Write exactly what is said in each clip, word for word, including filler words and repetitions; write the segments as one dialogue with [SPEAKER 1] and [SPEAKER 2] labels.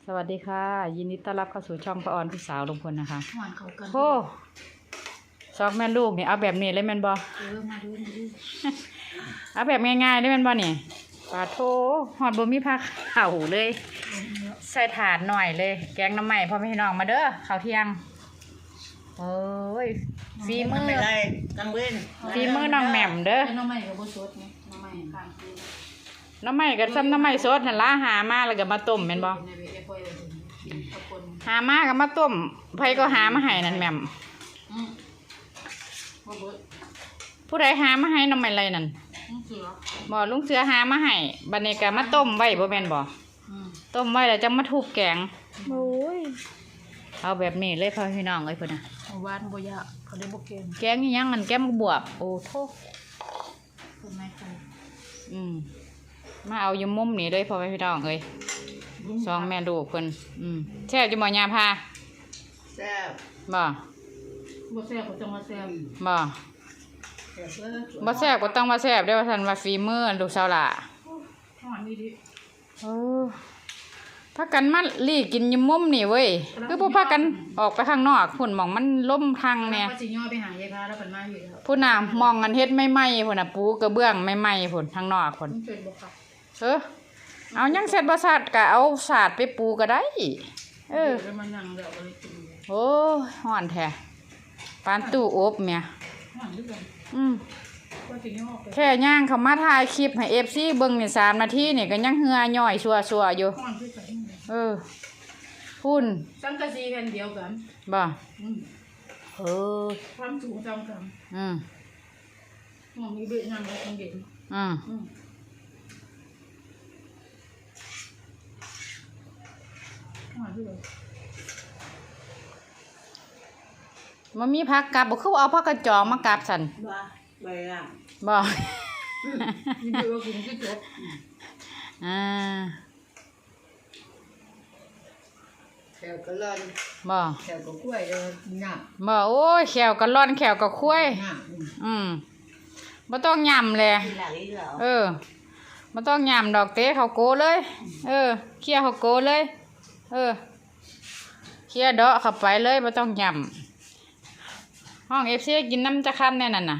[SPEAKER 1] สวัสดีค่ะยินดีต้อนรับเข้าสู่ช่องป้าออนพี่สาวลุงพลนะคะโอ้สองแม่ลูกนี่เอาแบบนี้เลยแม่นบอเออมาดูมาดูเอาแบบง่ายๆเลยแม่นบอนี่ปลาโถหอดบะหมี่ผักเข่าเลยใส่ถาดหน่อยเลยแกงน้ำใหม่พ่อแม่พี่น้องมาเด้อข้าวเที่ยงโอ้ยฝีมือ
[SPEAKER 2] กังเว้น
[SPEAKER 1] ฝีมือน้องแหม่มเด้อ
[SPEAKER 2] น้ำใหม่กับบัวสดนี่น้ำใหม่ข้างคืน
[SPEAKER 1] น้ำใหม่กับซ้ำน้ำใหม่สดนั่นละหามาแล้วก็มาต้มแม่นบอหามากับมาต้มไผก็หามาให้นั่นแหม่มผู้ใดหามาให้น้ำใหม่ไรนั่นบ่ลุงเสือหามาให้บัดนี้ก็มาต้มไว้บ่แม่นบ่ต้มไว้แล้วจะมาทุบแกงโอ้ยเอาแบบนี้เลยพ่อพี่น้องเอ้ยเพิ่นน่ะ
[SPEAKER 2] หวานบ่ยากเขาได้บ่เก่ง
[SPEAKER 1] แกงอีหยังนั่นแกงบวบโอ้โธ่
[SPEAKER 2] คนไม่เคย
[SPEAKER 1] อืมมาเอาอยู่มุมนี้เลยพ่อพี่น้องเอ้ยสองแม่ลูกเพิ่นอืมแซ่บอยู่บ่ยาพา
[SPEAKER 2] แซ่บ
[SPEAKER 1] บ่
[SPEAKER 2] บ่แซ่บก็ต้องมาแซ่บ
[SPEAKER 1] บ่บ่แซ่บก็ต้องมาแซ่บเด้อว่าซั่นว่าฝีมือลูกสาวล่ะ
[SPEAKER 2] หอมนี่ดิ
[SPEAKER 1] เออพากันมาลี่กินอยู่มุมนี่เว้ยคือบ่พากันออกไปข้างนอกพุ่นหม่องมันล่มทางแน่
[SPEAKER 2] ว่าสิย่อไปหายายพาแล้วเพิ่นมาอยู่แล้ว
[SPEAKER 1] พุ่นน่ะมองกันเฮ็ดใหม่ๆพุ่นน่ะปูกระเบื้องใหม่ๆพุ่นทางนอกพุ่น
[SPEAKER 2] เป็นบ่ค่ะ
[SPEAKER 1] เออเอายังเสร็จบ่สาดก็เอาสาดไปปูก็ได้เออ
[SPEAKER 2] แล้วมันนั่งแล้วก็เลยกิน
[SPEAKER 1] โอ้ยฮ้อนแท้ปานตู้อบแม่
[SPEAKER 2] ฮ้อนด้วยกัน
[SPEAKER 1] อืม
[SPEAKER 2] ว่าสิย่อไป
[SPEAKER 1] แค่ย่างเข้ามาถ่ายคลิปให้ เอฟ ซี เบิ่งนี่สามนาทีนี่ก็ยังเหือย่อยชัวๆอยู่
[SPEAKER 2] ฮ้อนด้วยกัน
[SPEAKER 1] เออพุ่น
[SPEAKER 2] สังกะสีแผ่นเดียวกัน
[SPEAKER 1] บ่
[SPEAKER 2] อืม
[SPEAKER 1] เออ
[SPEAKER 2] ความสูงเท่ากัน
[SPEAKER 1] อืม
[SPEAKER 2] มองมีเบ็ดนั่งแล้วคงเย็น
[SPEAKER 1] อืมมันมีผักกับบ่คือเอาผักกระจองมากับสั่น
[SPEAKER 2] บ่บ่ล่ะ
[SPEAKER 1] บ่
[SPEAKER 2] นี่เดี๋ยวกินที่จบ
[SPEAKER 1] อ่า
[SPEAKER 2] แขวกะล่อน
[SPEAKER 1] บ่
[SPEAKER 2] แขวกะกล้วยเด้อน้ำ
[SPEAKER 1] บ่โอ้ยแขวกะล่อนแขวกะคุ้ยอืมบ่ต้องยำเลยเออบ่ต้องยำดอกเต้ข้าวโกเลยเออเคี่ยวข้าวโกเลยเออเคี่ยวเดาะเข้าไปเลยบ่ต้องยำห้อง เอฟ ซี กินน้ำจะคั่นแน่นั่นน่ะ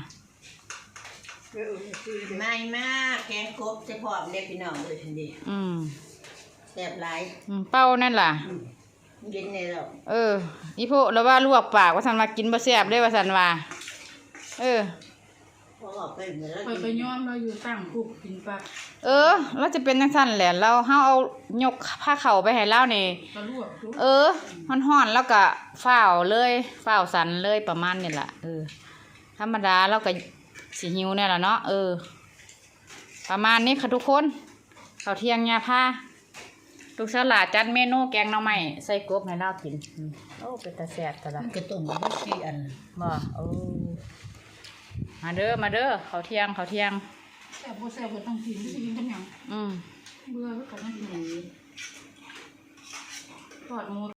[SPEAKER 2] ไม่มากแกงกบจะพร้อมเด็กพี่น้องเลยทันที
[SPEAKER 1] อืม
[SPEAKER 2] แซ่บหลาย
[SPEAKER 1] อืมเป้านั่นล่ะ
[SPEAKER 2] เย็นในเรา
[SPEAKER 1] เอออีโพแล้วว่าลวกปากว่าซั่นว่ากินบ่แซ่บเด้ว่าซั่นว่าเออ
[SPEAKER 2] พอออกไปเหมือนเราไปย้อมเราอยู่ตั้งคุกกินปลา
[SPEAKER 1] เออเราจะเป็นจังซั่นแหละเราเฮาเอายกผ้าเข่าไปให้เรานี่เออฮ้อนๆแล้วก็ฝ้าวเลยฝ้าวสันเลยประมาณนี้ล่ะเออธรรมดาเราก็สิหิวแน่ล่ะเนาะเออประมาณนี้ค่ะทุกคนข้าวเที่ยงยาพาลูกสลาจัดเมนูแกงหน่อไม้ใส่กบให้เรากินโอ้เป็นตาแซ่บตะละ
[SPEAKER 2] กระตุ่มก็สี่อัน
[SPEAKER 1] บ่โอ้มาเด้อมาเด้อข้าวเที่ยงข้าวเที่ยง
[SPEAKER 2] แซ่บบ่แซ่บก็ต้องกินสิกินกันหยัง
[SPEAKER 1] อืม
[SPEAKER 2] เบื่อก็ต้องกินอย่างนี้ทอดหมู